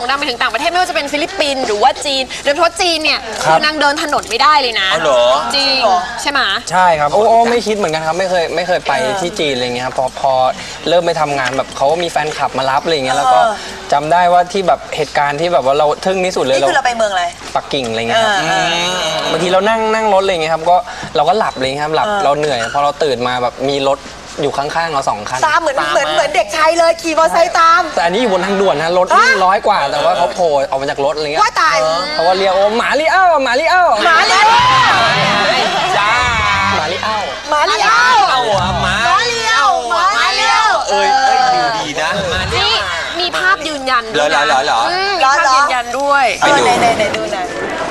งดังไปถึงต่างประเทศไม่ว่าจะเป็นฟิลิปปินส์หรือว่าจีนโดยเฉพาะจีนเนี่ยคือนางเดินถนนไม่ได้เลยนะเหรอจริงใช่ไหมใช่ครับโอ้ไม่คิดเหมือนกันครับไม่เคยไปที่จีนอะไรเงี้ยครับพอเริ่มไปทำงานแบบเขาก็มีแฟนคลับมารับอะไรเงี้ยแล้วก็จำได้ว่าที่แบบเหตุการณ์ที่แบบว่าเราทึ่งที่สุดเลยนี่คือเราไปเมืองอะไรปักกิ่งอะไรเงี้ยครับบางทีเรานั่งรถอะไรเงี้ยครับก็เราก็หลับเลยครับหลับเราเหนื่อยพอเราตื่นมาแบบมีรถอยู่ข้างๆเรา2 คันตามเหมือนเด็กชายเลยขี่มอเตอร์ไซค์ตามแต่อันนี้อยู่บนทางด่วนนะรถวิ่ง100 กว่าแต่ว่าเขาโผล่ออกมาจากรถอะไรเงี้ยว่าตายเขาก็เรียกโอ้หมาลีเอ้าหมาลีเอ้าหมาลีเอ้าจ้าหมาลีเอ้าหมาลีเอ้าหมาลีเอ้าหมาลีเอ้าดีนะนี่มีภาพยืนยันด้วยนะเหรอมีภาพยืนยันด้วยไหนดูหน่อย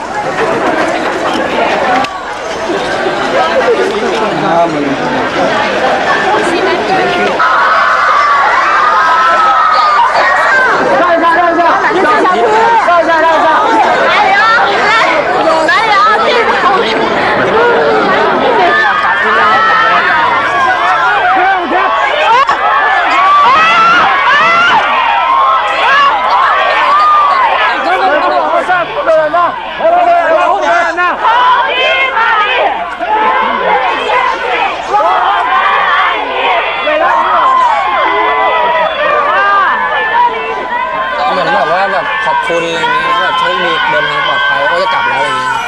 ขอบคุณอะไรเงี้ยแบบโชคดีเดินทางปลอดภัยก็จะกลับแล้วอะไรเงี้ย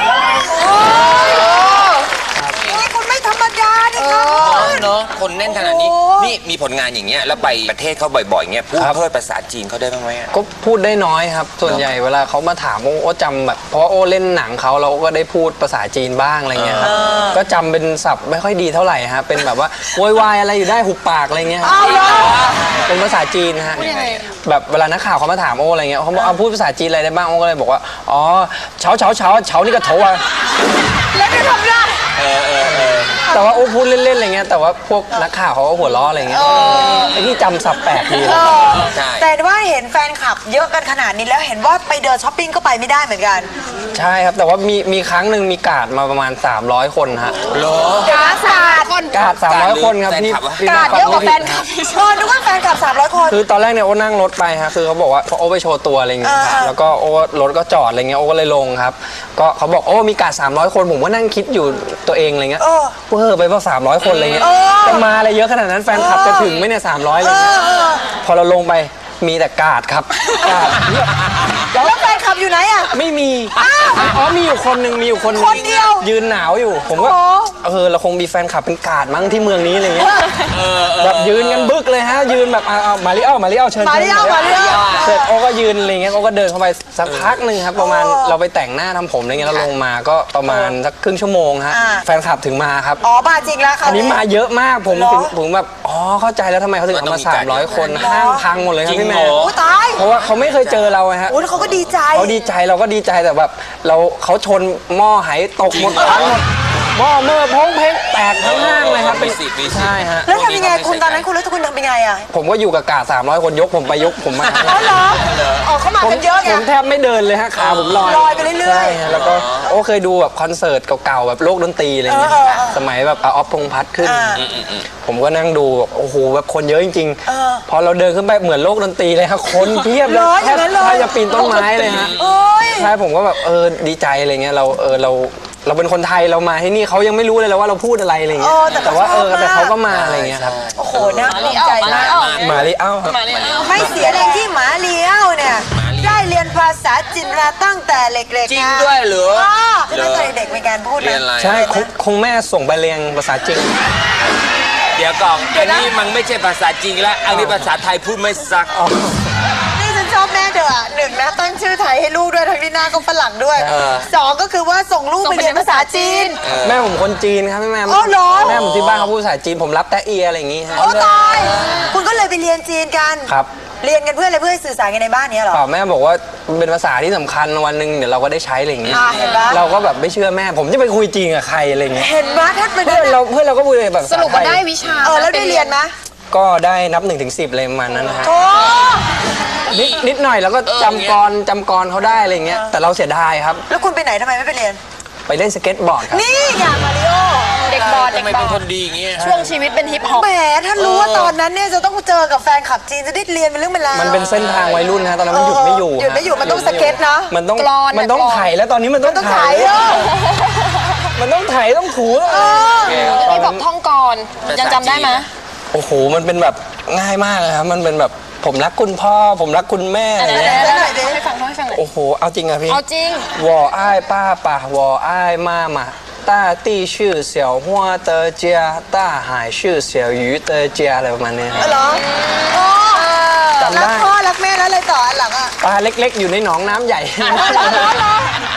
นี่คุณไม่ธรรมดาเนี่ยเนาะคนแน่นขนาดนี้นี่มีผลงานอย่างเงี้ยแล้วไปประเทศเขาบ่อยๆเงี้ยพูดเพิ่มภาษาจีนเขาได้บ้างไหมก็พูดได้น้อยครับส่วนใหญ่เวลาเขามาถามโอ้จำแบบเพราะโอ้เล่นหนังเขาเราก็ได้พูดภาษาจีนบ้างอะไรเงี้ยครับก็จำเป็นศัพท์ไม่ค่อยดีเท่าไหร่ฮะเป็นแบบว่าโวยวายอะไรอยู่ได้หุบปากอะไรเงี้ยเป็นภาษาจีนฮะแบบเวลานักข่าวเขามาถามโอ้อะไรเงี้ยเขาบอกพูดภาษาจีนอะไรได้บ้างโอ้ก็เลยบอกว่าอ๋อเฉานี่ก็โถอ่ะแล้วได้ทำได้แต่ว่าโอ้พูดเล่นๆอะไรเงี้ยแต่ว่าพวกนักข่าวเขาก็หัวล้ออะไรเงี้ยไอ้นี่จำศัพท์แปลกดีแต่ว่าเห็นแฟนคลับเยอะกันขนาดนี้แล้วเห็นว่าไปเดินช้อปปิ้งก็ไปไม่ได้เหมือนกันใช่ครับแต่ว่ามีครั้งหนึ่งมีการ์ดมาประมาณ300 คนฮะเหรอการ์ด300 คนครับพี่การ์ดเยอะกว่าแฟนคลับนึกว่าแฟนคลับ300 คนคือตอนแรกเนี่ยโอ้นั่งรถไปฮะคือเขาบอกว่าโอ้ไปโชว์ตัวอะไรเงี้ยแล้วก็โอ้รถก็จอดอะไรเงี้ยโอ้ก็เลยลงครับก็เขาบอกโอ้มีการ์ด300 คนผมก็นั่งคิดอยู่ตัวเองอะไรเงี้ยเพ้อไปว่า300 คนอะไรเงี้ยจะมาอะไรเยอะขนาดนั้นแฟนคลับจะถึงไหมเนี่ย300อะไรเงี้ยพอเราลงไปมีแต่การ์ดครับการ์ดแล้วแฟนคลับอยู่ไหนอ่ะไม่มีมีอยู่คนหนึ่งคนเดียวยืนหนาวอยู่ผมก็เราคงมีแฟนคลับเป็นการ์ดมั้งที่เมืองนี้อะไรเงี้ยแบบยืนกันบึกเลยฮะยืนแบบมาริเอ้าเชิญเสร็จโอ้ก็ยืนอะไรเงี้ยโอ้ก็เดินเข้าไปสักพักหนึ่งครับประมาณเราไปแต่งหน้าทำผมอะไรเงี้ยแล้วลงมาก็ประมาณสักครึ่งชั่วโมงฮะแฟนคลับถึงมาครับมาจริงแล้วค่ะอันนี้มาเยอะมากผมแบบเข้าใจแล้วทำไมเขาถึงเอามา300 คนห้างพังหมดเลยครับพี่แม่เพราะว่าเขาไม่เคยเจอเราฮะเขาก็ดีใจเราก็ดีใจแต่แบบเขาชนหม้อไหตกหมดทั้งหมดหม้อเมื่อพ้องเพลงแตกทั้งห้างเลยครับเป็นใช่ฮะแล้วทำยังไงคุณตอนนั้นคุณรู้สึกคุณทำเป็นไงอ่ะผมก็อยู่กับกาด300 คนยกผมไปยกผมมาเหรอเขามากันเยอะไงผมแทบไม่เดินเลยฮะขาผมลอยไปเรื่อยๆแล้วก็เคยดูแบบคอนเสิร์ตเก่าๆแบบโลกดนตรีอะไรเงี้ยสมัยแบบออฟพงษ์พัฒน์ขึ้นผมก็นั่งดูโอ้โหแบบคนเยอะจริงๆพอเราเดินขึ้นไปเหมือนโลกดนตรีเลยครับคนเพียบเลยแทบจะปีนต้นไม้เลยฮะใช่ผมก็แบบดีใจอะไรเงี้ยเราเป็นคนไทยเรามาที่นี่เขายังไม่รู้เลยว่าเราพูดอะไรอะไรเงี้ยแต่ว่าแต่เขาก็มาอะไรเงี้ยครับโอ้โหน่าภูมิใจมากมาลีเอ้าไม่เสียแรงที่หมาลีเอ้าเนี่ยได้เรียนภาษาจีนมาตั้งแต่เล็กๆจริงด้วยเหรอตั้งแต่เด็กมีการพูดใช่คงแม่ส่งไปเรียนภาษาจีนเดี๋ยวก่อนอันนี้มันไม่ใช่ภาษาจีนแล้วอันนี้ภาษาไทยพูดไม่ซักชอบแม่เด้อ1นะตั้งชื่อไทยให้ลูกด้วยทั้งที่หน้าก็ฝรั่งด้วย2ก็คือว่าส่งลูกไปเรียนภาษาจีนแม่ผมคนจีนครับแม่แม่ผมที่บ้านเขาพูดภาษาจีนผมรับแต่เอียอะไรอย่างงี้ฮะตายคุณก็เลยไปเรียนจีนกันครับเรียนกันเพื่ออะไรเพื่อสื่อสารกันในบ้านนี้หรอแม่บอกว่าเป็นภาษาที่สำคัญวันหนึ่งเดี๋ยวเราก็ได้ใช้อะไรอย่างงี้เราก็แบบไม่เชื่อแม่ผมจะไปคุยจีนกับใครอะไรอย่างเงี้ยเห็นไหมถ้าเพื่อนเราก็พูดเลยแบบสรุปว่าได้วิชาแล้วได้เรียนไหมก็ได้นับ1 ถึง 10เลยประมาณนั้นนะฮะนิดหน่อยแล้วก็จำกรเขาได้อะไรเงี้ยแต่เราเสียดายครับแล้วคุณไปไหนทำไมไม่ไปเรียนไปเล่นสเก็ตบอร์ดครับนี่ไงมาริโอเด็กบอลทำไมเป็นคนดีอย่างเงี้ยช่วงชีวิตเป็นฮิปฮอปแหมถ้ารู้ว่าตอนนั้นเนี่ยจะต้องเจอกับแฟนคลับจีนจะได้เรียนเป็นเรื่องเป็นราวมันเป็นเส้นทางวัยรุ่นนะตอนนั้นมันหยุดไม่อยู่หยุดไม่อยู่ฮะมันต้องสเก็ตนะมันต้องกลอนมันต้องกลอนไถแล้วตอนนี้มันต้องต้องไถถ่ายมันต้องไถต้องถูแล้วแล้วพี่บอกท่องก่อนยังจำได้ไหมโอ้โหมันเป็นแบบง่ายมากเลยครับมันเป็นแบบผมรักคุณพ่อผมรักคุณแม่อะไรเดี๋ยวเงี้ยเดี๋ยวเดี๋ยวให้ฟังให้ฟังหน่อยโอ้โหเอาจริงอะพี่เอาจริง我爱爸爸我爱妈妈大地是小花的家大海是小鱼的家อะไรประมาณเนี้ยครับเหรอโอ้จำรัได้กพ่อรักแม่แล้วอะไรต่ออันหลังอ่ะปลาเล็กๆ อยู่ในหนองน้ำใหญ่